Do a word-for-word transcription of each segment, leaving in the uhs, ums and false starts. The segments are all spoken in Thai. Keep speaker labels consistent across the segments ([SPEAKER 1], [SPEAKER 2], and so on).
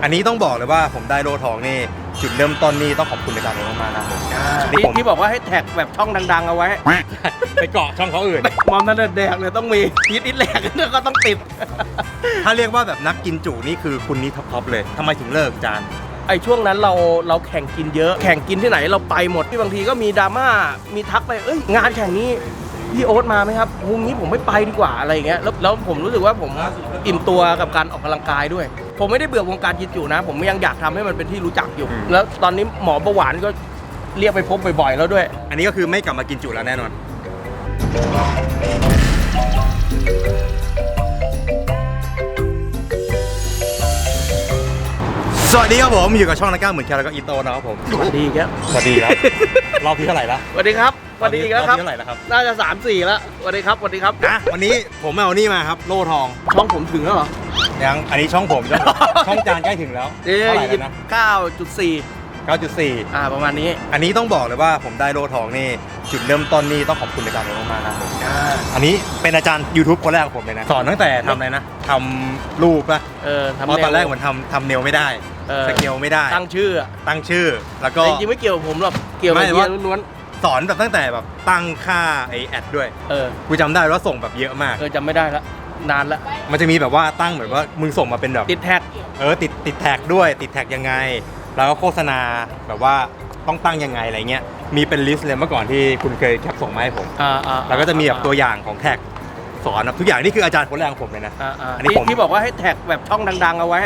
[SPEAKER 1] อันนี้ต้องบอกเลยว่าผมได้โลทองนี่จุดเริ่มต้นนี่ต้องขอบคุณอาจารย์มากๆนะผม
[SPEAKER 2] ที่ที่บอกว่าให้แท็กแบบช่องดังๆเอาไว้
[SPEAKER 1] ไปเกาะช่องเขาอื่น
[SPEAKER 2] มอมนั่นแดกเลยต้องมียิดอิดแหลกก็ต้องติด
[SPEAKER 1] ถ้าเรียกว่าแบบนักกินจุนี่คือคุณนี่ท็อปๆเลยทำไมถึงเลิกอาจารย์
[SPEAKER 2] ไอ้ช่วงนั้นเราเราแข่งกินเยอะแข่งกินที่ไหนเราไปหมดที่บางทีก็มีดราม่ามีทักไปเอ้ยงานแข่งนี้พี่โอ๊ตมาไหมครับวงนี้ผมไม่ไปดีกว่าอะไรอย่างเงี้ยแล้วแล้วผมรู้สึกว่าผมอิ่มตัวกับการออกกำลังกายด้วยผมไม่ได้เบื่อวงการกินจุนะผมยังอยากทำให้มันเป็นที่รู้จักอยู่แล้วตอนนี้หมอเบาหวานก็เรียกไปพบบ่อยๆแล้วด้วย
[SPEAKER 1] อันนี้ก็คือไม่กลับมากินจุแล้วแน่นอนสวัสดีครับผมอยู่กับช่องนักกล้าเหมือนแคแล้วก็อีโต้นะครับผม
[SPEAKER 2] สวัสดีครับ
[SPEAKER 1] สวัสดีครับรอบที่เท่าไหร่ละ
[SPEAKER 2] สวัสดีครับสวัสดีอีกแล้วครับ
[SPEAKER 1] เท่าไหร่แล้วครับ
[SPEAKER 2] น่าจะสามสี่แล้วสวัสดีครับสวัสดีครับ
[SPEAKER 1] นะวันนี้ผมเอานี่มาครับโล่ทอง
[SPEAKER 2] ช่องผมถึงแล้วเหรอ
[SPEAKER 1] ยังอันนี้ช่องผมช่องจานใกล้ถึงแล้ว
[SPEAKER 2] เท่าไหร่แล้วนะเก้าจุดสี่
[SPEAKER 1] เก้าจุดสี่
[SPEAKER 2] อ่าประมาณนี้
[SPEAKER 1] อันนี้ต้องบอกเลยว่าผมได้โล่ทองนี่จุดเริ่มต้นนี่ต้องขอบคุณอาจารย์มากๆนะผมอันนี้เป็นอาจารย์ YouTube คนแรกของผมเลยนะสอนตั้งแต่ทำอะไรนะทำรูปป่ะ
[SPEAKER 2] เออ
[SPEAKER 1] เพราะตอนแรกเหมือนทำทำเนลไม่ได้สเกลไม่ได้
[SPEAKER 2] ตั้งชื่อ
[SPEAKER 1] ตั้งชื่อแล้วก็
[SPEAKER 2] จริงๆไม่เกี่ยวกับผมหรอกเกี่ยวกับเฮียล้วน
[SPEAKER 1] สอนแบบตั้งแต่แบบตั้งค่าไอแอดด้วย
[SPEAKER 2] เออ
[SPEAKER 1] กูจำได้ว่าส่งแบบเยอะมาก
[SPEAKER 2] เออจำไม่ได้ละนานละ
[SPEAKER 1] มันจะมีแบบว่าตั้งเหมือนว่ามึงส่งมาเป็นแบบ
[SPEAKER 2] ติดแท็ก
[SPEAKER 1] เออติดติดแท็กด้วยติดแท็กยังไงแล้วก็โฆษณาแบบว่าต้องตั้งยังไงอะไรเงี้ยมีเป็นลิสต์เลยเมื่อก่อนที่คุณเคยแคปส่งมาให้ผม
[SPEAKER 2] อ่าอ่า
[SPEAKER 1] แล้วก็จะมีแบบตัวอย่างของแท็กสอนทุกอย่างนี่คืออาจารย์คนแรกของผมเลยนะ
[SPEAKER 2] อันนี้ที่บอกว่าให้แท็กแบบช่องดังๆเอาไว้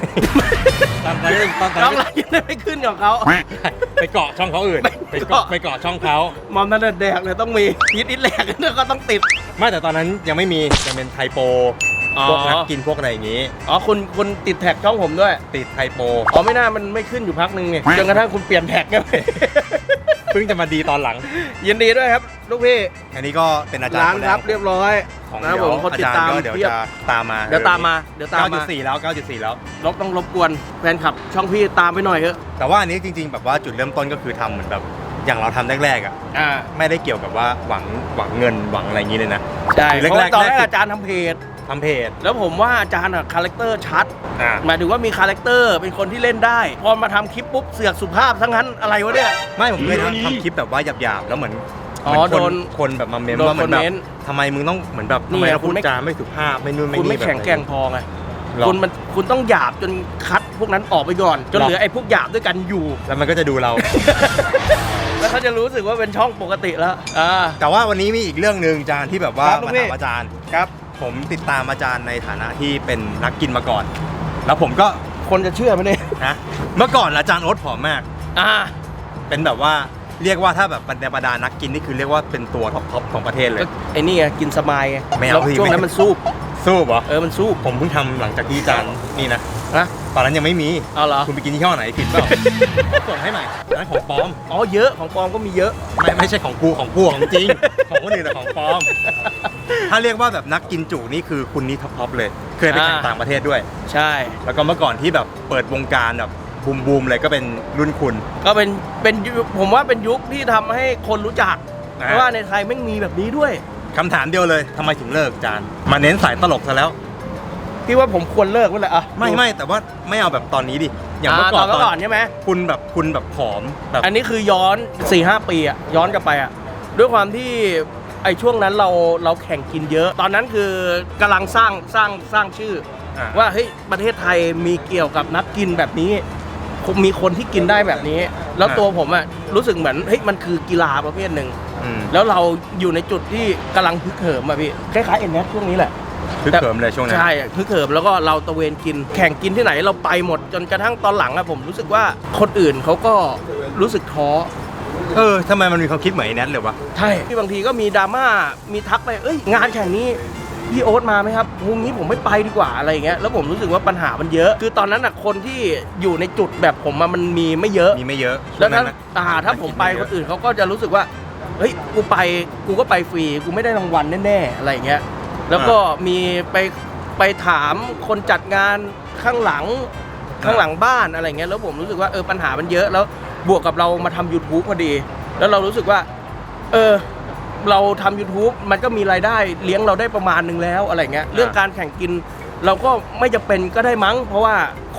[SPEAKER 2] ช่องอะไรยังไม่ขึ้นของเขา
[SPEAKER 1] ไปเกาะช่องเขาอื่นไปเกาะไปเกาะช่องเขา
[SPEAKER 2] มอมนั่นแดกเลยต้องมียิดอิดแหลกก็ต้องติด
[SPEAKER 1] ไม่แต่ตอนนั้นยังไม่มียังเป็นไทโปพวกนักกินพวกอะไรอย่างนี้
[SPEAKER 2] อ๋อคุณคุณติดแท็กช่องผมด้วย
[SPEAKER 1] ติดไทโป
[SPEAKER 2] อ๋อไม่น่ามันไม่ขึ้นอยู่พักนึงไงจนกระทั่งคุณเปลี่ยนแท็กไง
[SPEAKER 1] เพิ่งจะมาดีตอนหลัง
[SPEAKER 2] ยินดีด้วยครับลูกพี่
[SPEAKER 1] อันนี้ก็เป็นอาจารย์
[SPEAKER 2] คนแรกครับเรียบร้อย
[SPEAKER 1] นะผมคนติดตามเดี๋ยวจะตามมา
[SPEAKER 2] เดี๋ยวตามมาเดี๋ยวตามมา
[SPEAKER 1] เก้าจุดสี่ แล้ว เก้าจุดสี่ แล้ว
[SPEAKER 2] รบต้องรบกวนแฟนคลับช่องพี่ตามไปหน่อยเถอะ
[SPEAKER 1] แต่ว่าอันนี้จริงๆแบบว่าจุดเริ่มต้นก็คือทำเหมือนแบบอย่างเราทำแรกๆอ่ะไม่ได้เกี่ยวกับว่าหวังหวังเงินหวังอะไรอย่างนี้เลยนะ
[SPEAKER 2] ใช่เพราะตอนแรกอาจารย์ทำเพจ
[SPEAKER 1] ทำเพจ
[SPEAKER 2] แล้วผมว่าอาจารย์อะคาแรคเตอร์ชัดหมายถึงว่ามีคาแรคเตอร์เป็นคนที่เล่นได้พอมาทำคลิปปุ๊บเสือกสุภาพทั้งนั้นอะไรวะเนี่ย
[SPEAKER 1] ไม่ผมเคยทำคลิปแบบว่าหยาบๆแล้วเหมือน
[SPEAKER 2] อ๋อโดน
[SPEAKER 1] คนแบบมาเมนว่าเหมือนแบบทำไมมึงต้องเหมือนแบบทำไมพูดจาไม่สุภาพไม่นู่นไม่นี่
[SPEAKER 2] คุณไม่แข็งแกร่งพอไงคุณมันคุณต้องหยาบจนคัดพวกนั้นออกไปก่อนจนเหลือไอ้พวกหยาบด้วยกันอยู่
[SPEAKER 1] แล้วมันก็จะดูเรา
[SPEAKER 2] แล้วเขาจะรู้สึกว่าเป็นช่องปกติแล้ว
[SPEAKER 1] แต่ว่าวันนี้มีอีกเรื่องหนึ่งอาจารย์ที่แบบว่ามาถามอาจารย์
[SPEAKER 2] ครับ
[SPEAKER 1] ผมติดตามอาจารย์ในฐานะที่เป็นนักกินมาก่อนแล้วผมก็
[SPEAKER 2] คนจะเชื่อไหมเนี่ย
[SPEAKER 1] นะเมื่อก่อนอาจารย์โอ๊ตผอมมาก
[SPEAKER 2] อ่า
[SPEAKER 1] เป็นแบบว่าเรียกว่าถ้าแบบบรรดานักกินนี่คือเรียกว่าเป็นตัวท็อปๆของประเทศเลย
[SPEAKER 2] ไอ้นี่ไงกินสมายไง
[SPEAKER 1] ไม่เอา
[SPEAKER 2] ช่วงนั้นมันซูบ
[SPEAKER 1] ซูบเหรอ
[SPEAKER 2] เออมันซูบ
[SPEAKER 1] ผมเพิ่งทำหลังจากที่อาจารย์นี่นะ
[SPEAKER 2] นะ
[SPEAKER 1] ตอนนั้นยังไม่มี
[SPEAKER 2] เอาเหรอ
[SPEAKER 1] คุณไปกินที่ห้อไหนผิดเปล่าส่งให้ใหม่นั้นของปลอม
[SPEAKER 2] อ๋อเยอะของปลอมก็มีเยอะ
[SPEAKER 1] ไม่ไม่ใช่ของกูของกูของจริงของคนอื่นแต่ของปลอมถ้าเรียกว่าแบบนักกินจุนี่คือคุณนี่ท็อปๆเลยเคยไปแข่งต่างประเทศด้วย
[SPEAKER 2] ใช่
[SPEAKER 1] แล้วก็เมื่อก่อนที่แบบเปิดวงการแบบบูมบูมเลยก็เป็นรุ่นคุณ
[SPEAKER 2] ก็เป็นเป็นผมว่าเป็นยุคที่ทำให้คนรู้จักเพราะว่าในไทยไม่มีแบบนี้ด้วย
[SPEAKER 1] คำถามเดียวเลยทำไมถึงเลิกอาจารย์มาเน้นสายตลกซะแล้ว
[SPEAKER 2] พี่ว่าผมควรเลิกไว้เลยอะ
[SPEAKER 1] ไม่ไม่แต่ว่าไม่เอาแบบตอนนี้ดิ
[SPEAKER 2] อย่างเมื่อก่อนก่อนใช่ไหม
[SPEAKER 1] คุณแบบคุณแบบผอมแบบ
[SPEAKER 2] อันนี้คือย้อน สี่ห้า ปีอะย้อนกลับไปอะด้วยความที่ไอ้ช่วงนั้นเราเราแข่งกินเยอะตอนนั้นคือกำลังสร้างสร้างสร้างชื่อว่าเฮ้ยประเทศไทยมีเกี่ยวกับนักกินแบบนี้มีคนที่กินได้แบบนี้แล้วตัวผมอะรู้สึกเหมือนเฮ้ยมันคือกีฬาประเภทหนึ่งแล้วเราอยู่ในจุดที่กำลังพึกเหิมอะพี่คล้ายๆเอ็นเนสช่วงนี้แหละ
[SPEAKER 1] พึกเหิมเลยช่วงนั้น
[SPEAKER 2] ใช่พึกเหิมแล้วก็เราตะเวนกินแข่งกินที่ไหนเราไปหมดจนกระทั่งตอนหลังอะผมรู้สึกว่าคนอื่นเขาก็รู้สึกท้อ
[SPEAKER 1] เออทำไมมันมีความคิดเหมือนไอ้แนทเลยวะ
[SPEAKER 2] ใช่ที่บางทีก็มีดราม่ามีทักไปเอ้ยงานแข่งนี้พี่โอ๊ตมาไหมครับวงนี้ผมไม่ไปดีกว่าอะไรอย่างเงี้ยแล้วผมรู้สึกว่าปัญหามันเยอะคือตอนนั้นอะคนที่อยู่ในจุดแบบผมมันมีไม่เยอะ
[SPEAKER 1] มีไม่เยอะ
[SPEAKER 2] แล้วถ้าถ้าผมไปคนอื่นเขาก็จะรู้สึกว่าเฮ้ยกูไปกูก็ไปฟรีกูไม่ได้รางวัลแน่ๆอะไรอย่างเงี้ยแล้วก็มีไปไปถามคนจัดงานข้างหลังข้างหลังบ้านอะไรเงี้ยแล้วผมรู้สึกว่าเออปัญหามันเยอะแล้วบวกกับเรามาทำ YouTube พอดีแล้วเรารู้สึกว่าเออเราทำ YouTube มันก็มีรายได้เลี้ยงเราได้ประมาณนึงแล้วอะไรเงี้ยเรื่องการแข่งกินเราก็ไม่จำเป็นก็ได้มั้งเพราะว่าค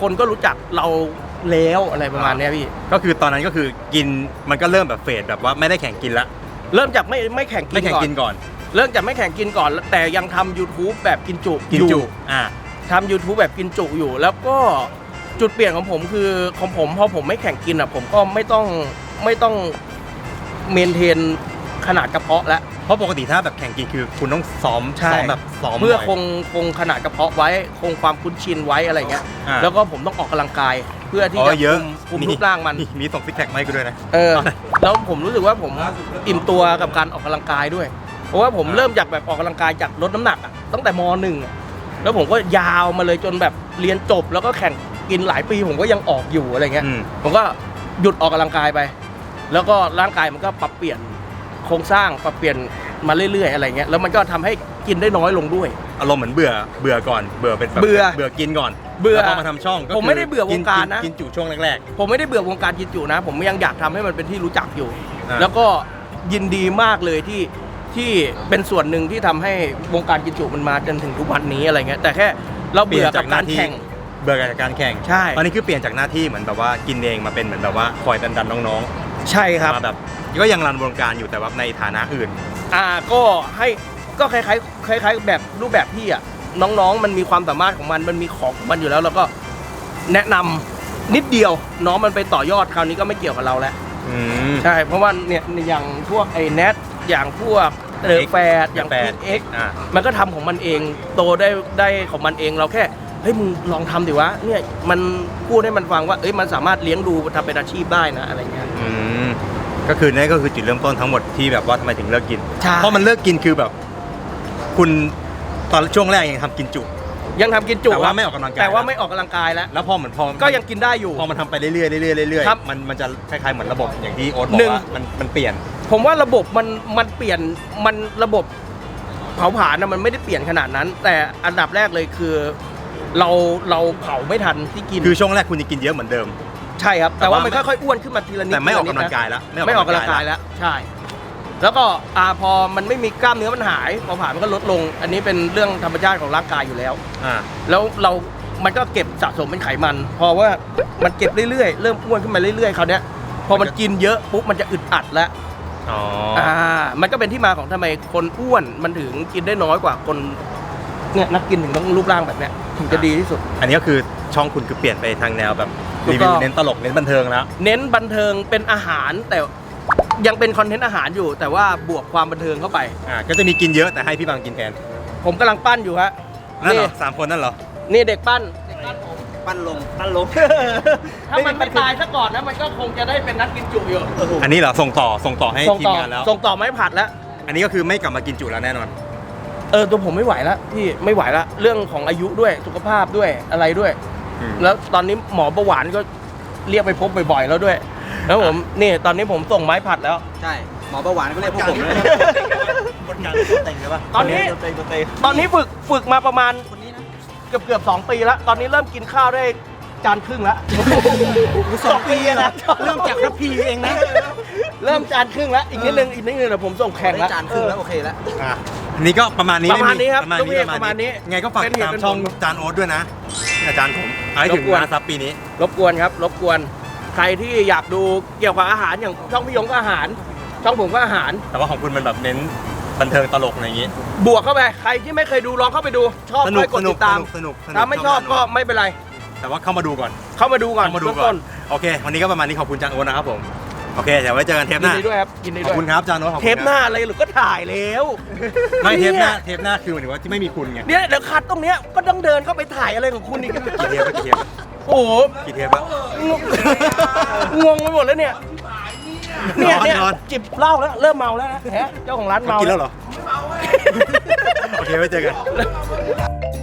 [SPEAKER 2] คนก็รู้จักเราแล้วอะไรประมาณเนี้ยพี่
[SPEAKER 1] ก็คือตอนนั้นก็คือกินมันก็เริ่มแบบเฟดแบบว่าไม่ได้แข่งกินละ
[SPEAKER 2] เริ่มจากไม่ไม่แข่งกิ
[SPEAKER 1] ไม่
[SPEAKER 2] น
[SPEAKER 1] แข่ง
[SPEAKER 2] ก่อน
[SPEAKER 1] กินก่อน
[SPEAKER 2] เริ่มจากไม่แข่งกินก่อน แต่ยังทำ YouTube แบบกินจุ
[SPEAKER 1] กิน
[SPEAKER 2] อยู่
[SPEAKER 1] จุอ่า
[SPEAKER 2] ทำ YouTube แบบกินจุอยู่ แล้วก็จุดเปลี่ยนของผมคือของผมพอผมไม่แข่งกินอ่ะผมก็ไม่ต้องไม่ต้องเมนเทนขนาดกระเพาะแล้ว
[SPEAKER 1] เพราะปกติถ้าแบบแข่งกินคือคุณต้องซ้อม
[SPEAKER 2] ใช่
[SPEAKER 1] ซ้อมแบบซ้อม
[SPEAKER 2] เพื่อ
[SPEAKER 1] บ่ย
[SPEAKER 2] คงคงขนาดกระเพาะไว้คงความคุ้นชินไว้อะไรเงี้ย
[SPEAKER 1] อ่า
[SPEAKER 2] แล้วก็ผมต้องออกกำลังกาย เพื่อที่
[SPEAKER 1] อ๋
[SPEAKER 2] จะ
[SPEAKER 1] อเยอะ
[SPEAKER 2] คุมคุมรูปร่างมัน
[SPEAKER 1] มีส่งซิกแพคมาให้กูด้วยนะ
[SPEAKER 2] เออ แล้วผมรู้สึกว่าผมอิ่มตัวกับการออกกำลังกายด้วย เพราะว่าผม
[SPEAKER 1] อ่า
[SPEAKER 2] เริ่มจากแบบออกกำลังกายจากลดน้ำหนักอะตั้งแต่มหนึ่งอะแล้วผมก็ยาวมาเลยจนแบบเรียนจบ แล้วก็แข่งกินหลายปีผมก็ยังออกอยู่อะไรเงี้ย
[SPEAKER 1] อืม
[SPEAKER 2] ผมก็หยุดออกกำลังกายไป แล้วก็ร่างกายมันก็ปรับเปลี่ยนโครงสร้างปรับเปลี่ยนมาเรื่อยๆอะไรเงี้ยแล้วมันก็ทำให้กินได้น้อยลงด้วย
[SPEAKER 1] อารมณ์เหมือนเบื่อเบื่อก่อนเบื่อเป็นแบบ
[SPEAKER 2] เบื่อ
[SPEAKER 1] เบื่อกินก่อน
[SPEAKER 2] เบื่อ
[SPEAKER 1] แล้วพอมาทำช่องก็
[SPEAKER 2] ผมไม่ได้เบื่อวงการนะ
[SPEAKER 1] กินจุช่วงแรก
[SPEAKER 2] ผมไม่ได้เบื่อวงการกินจุนะ ผมยังอยากทำให้มันเป็นที่รู้จักอยู่
[SPEAKER 1] อ่า
[SPEAKER 2] แล้วก็ยินดีมากเลยที่ที่เป็นส่วนหนึ่งที่ทำให้วงการกินจุมันมาจนถึงทุกวันนี้อะไรเงี้ยแต่แค่เรา
[SPEAKER 1] ๆ
[SPEAKER 2] เบื่อกับการแข่ง
[SPEAKER 1] เบื่อจากการแข่ง
[SPEAKER 2] ใช่
[SPEAKER 1] ตอนนี้คือเปลี่ยนจากหน้าที่เหมือนแบบว่ากินเองมาเป็นเหมือนแบบว่าคอยดันดันๆน้อง
[SPEAKER 2] ใช่ครับ
[SPEAKER 1] ๆมาแบบก็ยังรันวงการอยู่แต่ว่าในฐานะอื่น
[SPEAKER 2] อ่าก็ให้ก็คล้ายๆคล้ายๆแบบรูปแบบพี่อ่ะน้องๆ มันมีความสามารถของมันมันมีของของมันอยู่แล้ว แล้วก็แนะนำนิดเดียวน้องมันไปต่อยอดคราวนี้ก็ไม่เกี่ยวกับเราแล้ว
[SPEAKER 1] อืม
[SPEAKER 2] ใช่เพราะว่าเนี่ยอย่างพวกไอ้แนทอย่างพวกเดอะแฟดอย่าง
[SPEAKER 1] แฟ
[SPEAKER 2] พี
[SPEAKER 1] ด
[SPEAKER 2] เอ็ก
[SPEAKER 1] อ่า
[SPEAKER 2] มันก็ทำของมันเองโตได้ได้ของมันเองเราแค่เฮ้ยมึงลองทำดิวะเนี่ยมันพูดให้มันฟังว่าเอ้ยมันสามารถเลี้ยงดูทำเป็นอาชีพได้นะอะไรเงี้ย
[SPEAKER 1] อืมก็คือนี่ก็คือจุดเริ่มต้นทั้งหมดที่แบบว่าทำไมถึงเลิกกิน
[SPEAKER 2] ใช่
[SPEAKER 1] เพราะมันเลิกกินคือแบบ คุณตอนช่วงแรกยังทำกินจุ
[SPEAKER 2] ยังทำกินจุ
[SPEAKER 1] แต่ว่าไม่ออกกำลังกาย
[SPEAKER 2] แต่ว่าไม่ออกกำลังกายแล้ว
[SPEAKER 1] แล้วพอเหมือนพอ
[SPEAKER 2] ก็ยังกินได้อยู่
[SPEAKER 1] พอมันทำไปเรื่อยๆเรื่อยๆเรื่อย
[SPEAKER 2] ครับ
[SPEAKER 1] ๆมันมันจะคล้ายๆเหมือนระบบอย่างที่โอ๊ตบอ
[SPEAKER 2] หนึ่
[SPEAKER 1] ก
[SPEAKER 2] ง
[SPEAKER 1] ว่ามันมันเปลี่ยน
[SPEAKER 2] ผมว่าระบบมันมันเปลี่ยนมันระบบเผาผลาญนะมันไม่ได้เปลี่ยนขนาดนั้น แต่อันดับแรกเลยคือ เราเราเผาไม่ทันที่กิน
[SPEAKER 1] คือช่วงแรกคุณยังกินเยอะเหมือนเดิม
[SPEAKER 2] ใช่ครับ
[SPEAKER 1] แต่
[SPEAKER 2] แต่ว่า
[SPEAKER 1] ว่า
[SPEAKER 2] มันค่อยๆอ้วนขึ้นมาทีละนิด
[SPEAKER 1] แต่ไม่ออก
[SPEAKER 2] ทีละ
[SPEAKER 1] กำลั
[SPEAKER 2] นิ
[SPEAKER 1] ง
[SPEAKER 2] ด
[SPEAKER 1] กายแล้ว
[SPEAKER 2] นะไม่ออกกำลังกายแล้วใช่ แล้วก็อ่าพอมันไม่มีกล้ามเนื้อมันหายเผาผลาญมันก็ลดลง อันนี้เป็นเรื่องธรรมชาติของร่างกายอยู่แล้ว
[SPEAKER 1] อ่า
[SPEAKER 2] แล้วเรา มันก็เก็บสะสมเป็นไขมัน พอว่ามันเก็บเรื่อยๆ เริ่มอ้วนขึ้นมาเรื่อยๆ คราวเนี้ย พอมันกินเยอะปุ๊บมันจะอึดอัดแล้ว
[SPEAKER 1] อ๋อ
[SPEAKER 2] อ่า มันก็เป็นที่มาของทำไมคนอ้วนมันถึงกินได้น้อยกว่าคน เนี่ยนักกินถึงต้องรูปร่างแบบเนี้ยถึงจะดีที่สุด
[SPEAKER 1] อันนี้ก็คือช่องคุณคือเปลี่ยนไปทางแนวแบบ
[SPEAKER 2] ถูก
[SPEAKER 1] รี
[SPEAKER 2] ต้
[SPEAKER 1] วิ
[SPEAKER 2] อง
[SPEAKER 1] วเน้นตลกเน้นบันเทิงแล้ว
[SPEAKER 2] เน้นบันเทิงเป็นอาหารแต่ยังเป็นคอนเทนต์อาหารอยู่ แต่ว่าบวกความบันเทิงเข้าไป
[SPEAKER 1] อ่าก็จะมีกินเยอะแต่ให้พี่บังกินแทน
[SPEAKER 2] ผมกำลังปั้นอยู่ฮะ
[SPEAKER 1] นั่นเหร
[SPEAKER 2] นี่
[SPEAKER 1] อสามคนนั่นเหรอ
[SPEAKER 2] นี่เด็กปั้น
[SPEAKER 3] ปั้นลงปั้นลง
[SPEAKER 2] ถ้ามันไม่ตายซะก่อนนะมันก็คงจะได้เป็นนักกินจุอยู่
[SPEAKER 1] อันนี้เหรอส่งต่อส่งต่อให้
[SPEAKER 2] ส่ง
[SPEAKER 1] ทีม
[SPEAKER 2] ต่อง
[SPEAKER 1] านแล้ว
[SPEAKER 2] ส่งต่อไม้ผัดแล้ว
[SPEAKER 1] อันนี้ก็คือไม่กลับมากินจุแล้วแน่นอน
[SPEAKER 2] เออตัวผมไม่ไหวแล้วพี่ไม่ไหวแล้วเรื่องของอายุด้วยสุขภาพด้วยอะไรด้วย
[SPEAKER 1] อืม
[SPEAKER 2] แล้วตอนนี้หมอเบาหวานก็เรียกไปพบบ่อยๆแล้วด้วย แล้วผมนี่ตอนนี้ผมส่งไม้ผัดแล้ว
[SPEAKER 3] ใช่ หมอเบาหวานก็เรียกพวกผมเลย
[SPEAKER 1] คนกลางเต็งเลยป่ะ
[SPEAKER 2] ตอนนี้
[SPEAKER 3] เตงเตง
[SPEAKER 2] ตอนนี้ฝึกฝึกมาประมาณ
[SPEAKER 3] คนนี้นะ
[SPEAKER 2] เกือบเกือบสองปีแล้ว ตอนนี้เริ่มกินข้าวได้จานครึ่งแล้ว
[SPEAKER 3] สองปีอะนะเริ่มจากรับพีเองนะ
[SPEAKER 2] เริ่มจานครึ่งแล้วอีกนิดนึงอีกนิดนึงเดี๋ยวผมส่งแข่ง
[SPEAKER 3] ได้
[SPEAKER 2] แล้ว
[SPEAKER 3] จานครึ่งแล้วโอเคแล้ว
[SPEAKER 1] อ่ะอันนี้ก็ประมาณนี้
[SPEAKER 2] ประมาณนี้ครับ
[SPEAKER 1] ประมาณนี้
[SPEAKER 2] ลูกเพจประมาณนี้
[SPEAKER 1] ไงก็ฝาก
[SPEAKER 2] เป็นเหตุ
[SPEAKER 1] ตาม
[SPEAKER 2] เป็นผล
[SPEAKER 1] ช่องจานโอ๊ตด้วยนะอาจารย์ผมเอาให้ถึง
[SPEAKER 2] รบกวน
[SPEAKER 1] ล้านซับปีนี้
[SPEAKER 2] รบกวนครับรบกวนใครที่อยากดูเกี่ยวกับอาหารอย่างช่องพี่ยงก็อาหาร ช่องผมก็อาหาร
[SPEAKER 1] แต่ว่าของคุณมันแบบเน้นบันเทิงตลกอะไรอย่างงี้
[SPEAKER 2] บวกเข้าไปใครที่ไม่เคยดูลองเข้าไปดู ชอบ
[SPEAKER 1] สนุ
[SPEAKER 2] ค่
[SPEAKER 1] ก
[SPEAKER 2] อยกด
[SPEAKER 1] สนุ
[SPEAKER 2] ติ
[SPEAKER 1] ก
[SPEAKER 2] ดตาม
[SPEAKER 1] สนุกสนุก
[SPEAKER 2] ถ้าไม่ชอบก็ไม่เป็นไร
[SPEAKER 1] แต่ว่าเข้ามาดูก่อน
[SPEAKER 2] เข้ามาดูก่อน
[SPEAKER 1] เข้ามาดู
[SPEAKER 2] เบื้อง
[SPEAKER 1] ก่อ
[SPEAKER 2] ต้
[SPEAKER 1] น
[SPEAKER 2] น
[SPEAKER 1] โอเค วันนี้ก็ประมาณนี้ขอบคุณจานโอ๊ตนะครับผมโอเคเดี๋ยวไว้เจอกันเทปห
[SPEAKER 2] ยิน
[SPEAKER 1] น้า
[SPEAKER 2] ดีด้วยครับยินดี
[SPEAKER 1] ข
[SPEAKER 2] ด้
[SPEAKER 1] อบ
[SPEAKER 2] วย
[SPEAKER 1] คุณครับจานโอ๊ตขอบคุณ
[SPEAKER 2] เทปหน้าอะไรหรือก็ถ่ายแล้ว
[SPEAKER 1] ไม่เทปหน้า
[SPEAKER 2] ย
[SPEAKER 1] เทปหน้าคือหมายถึงว่าที่ไม่มีคุณไง
[SPEAKER 2] เนี่ยเดี๋ยวคัดตรงเนี้ยก็ต้องเดินเข้าไปถ่ายอะไรของคุณอีก
[SPEAKER 1] กี่เทปแล้วกี่เทปแล้ว
[SPEAKER 2] โอ้โห
[SPEAKER 1] กี่เทปแล้ว
[SPEAKER 2] งงงงไปหมดแล้วเนี่ยเนี่ยเนี่ย
[SPEAKER 1] นอน
[SPEAKER 2] จิบเหล้าแล้วเริ่มเมาแล้วนะแฮะเจ้าของร้านเมา
[SPEAKER 1] กินแล้วเหรอโอเคไว้เจอกัน